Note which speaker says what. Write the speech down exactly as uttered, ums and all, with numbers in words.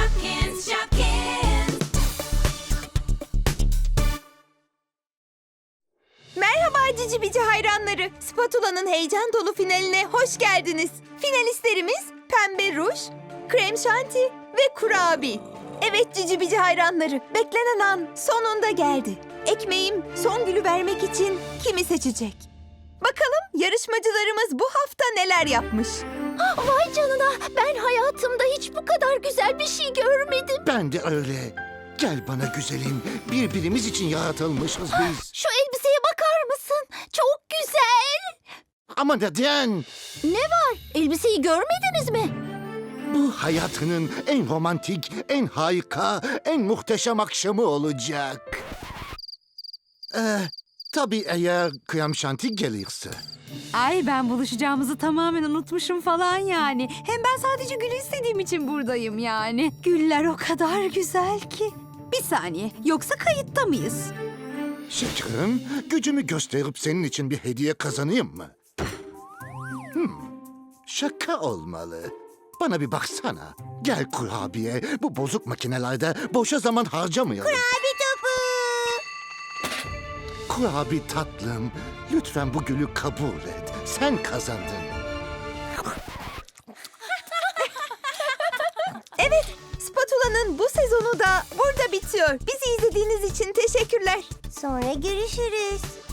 Speaker 1: Shopkins, Shopkins.
Speaker 2: Merhaba Cici Bici hayranları. Spatula'nın heyecan dolu finaline hoş geldiniz. Finalistlerimiz Pembe Ruj, Krem Şanti ve Kurabi. Evet Cici Bici hayranları, beklenen an sonunda geldi. Ekmeğim son gülü vermek için kimi seçecek? Bakalım yarışmacılarımız bu hafta neler yapmış?
Speaker 3: Vay canına, ben hayatımda hiç bu kadar güzel bir şey görmedim.
Speaker 4: Ben de öyle. Gel bana güzelim. Birbirimiz için yaratılmışız biz.
Speaker 3: Şu elbiseye bakar mısın? Çok güzel.
Speaker 4: Ama neden?
Speaker 3: Ne var? Elbiseyi görmediniz mi?
Speaker 4: Bu hayatının en romantik, en harika, en muhteşem akşamı olacak. Ee, tabii eğer krem şanti gelirse.
Speaker 5: Ay ben buluşacağımızı tamamen unutmuşum falan yani. Hem ben sadece gül istediğim için buradayım yani. Güller o kadar güzel ki. Bir saniye, yoksa kayıtta mıyız?
Speaker 4: Şekerim, gücümü gösterip senin için bir hediye kazanayım mı? Hmm, şaka olmalı. Bana bir baksana. Gel kurabiye, bu bozuk makinelerde boşa zaman harcamayalım.
Speaker 3: Abi topu.
Speaker 4: Kurabi tatlım, lütfen bu gülü kabul et. Sen kazandın.
Speaker 2: Evet, Spatula'nın bu sezonu da burada bitiyor. Bizi izlediğiniz için teşekkürler.
Speaker 3: Sonra görüşürüz.